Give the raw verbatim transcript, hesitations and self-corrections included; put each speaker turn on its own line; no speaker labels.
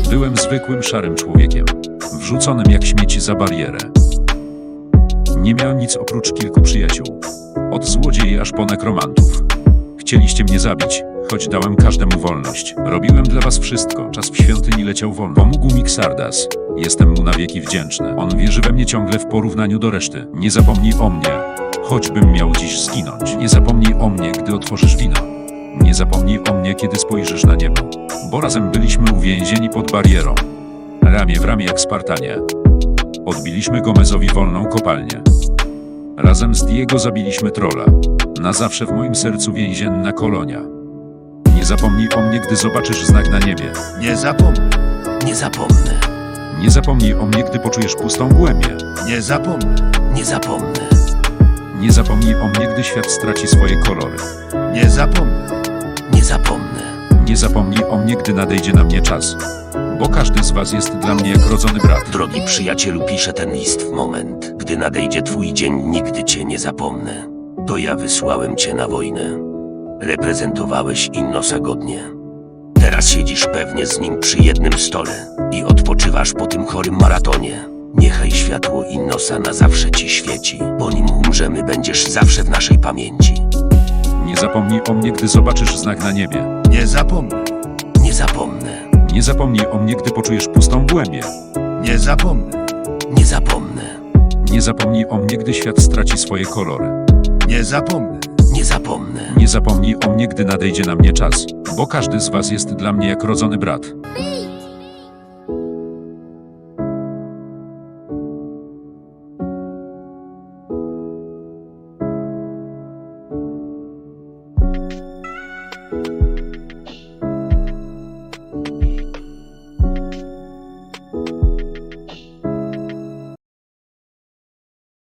Byłem zwykłym szarym człowiekiem, wrzuconym jak śmieci za barierę. Nie miałem nic oprócz kilku przyjaciół. Od złodziei aż po nekromantów. Chcieliście mnie zabić, choć dałem każdemu wolność. Robiłem dla was wszystko, czas w świątyni leciał wolno. Pomógł mi Xardas. Jestem mu na wieki wdzięczny. On wierzy we mnie ciągle w porównaniu do reszty. Nie zapomnij o mnie, choćbym miał dziś zginąć. Nie zapomnij o mnie, gdy otworzysz wino. Nie zapomnij o mnie, kiedy spojrzysz na niebo. Bo razem byliśmy uwięzieni pod barierą. Ramię w ramię jak Spartanie. Odbiliśmy Gomezowi wolną kopalnię. Razem z Diego zabiliśmy trolla. Na zawsze w moim sercu więzienna kolonia. Nie zapomnij o mnie, gdy zobaczysz znak na niebie.
Nie zapomnę,
Nie zapomnę,
Nie zapomnij o mnie, gdy poczujesz pustą głębię.
nie zapomnę,
nie zapomnę,
Nie zapomnij o mnie, gdy świat straci swoje kolory.
nie zapomnę,
nie zapomnę,
Nie zapomnij o mnie, gdy nadejdzie na mnie czas. Bo każdy z was jest dla mnie jak rodzony brat.
drogi przyjacielu, piszę ten list w moment, gdy nadejdzie twój dzień, nigdy cię nie zapomnę. To ja wysłałem cię na wojnę. Reprezentowałeś Innosa godnie. Teraz siedzisz pewnie z nim przy jednym stole i odpoczywasz po tym chorym maratonie. Niechaj światło Innosa na zawsze ci świeci, bo nim umrzemy, będziesz zawsze w naszej pamięci.
Nie zapomnij o mnie, gdy zobaczysz znak na niebie.
nie zapomnę,
Nie zapomnę,
Nie zapomnij o mnie, gdy poczujesz pustą głębię.
nie zapomnę,
nie zapomnę,
Nie zapomnij o mnie, gdy świat straci swoje kolory.
nie zapomnę,
nie zapomnę.
Nie zapomnij o mnie, gdy nadejdzie na mnie czas. Bo każdy z was jest dla mnie jak rodzony brat.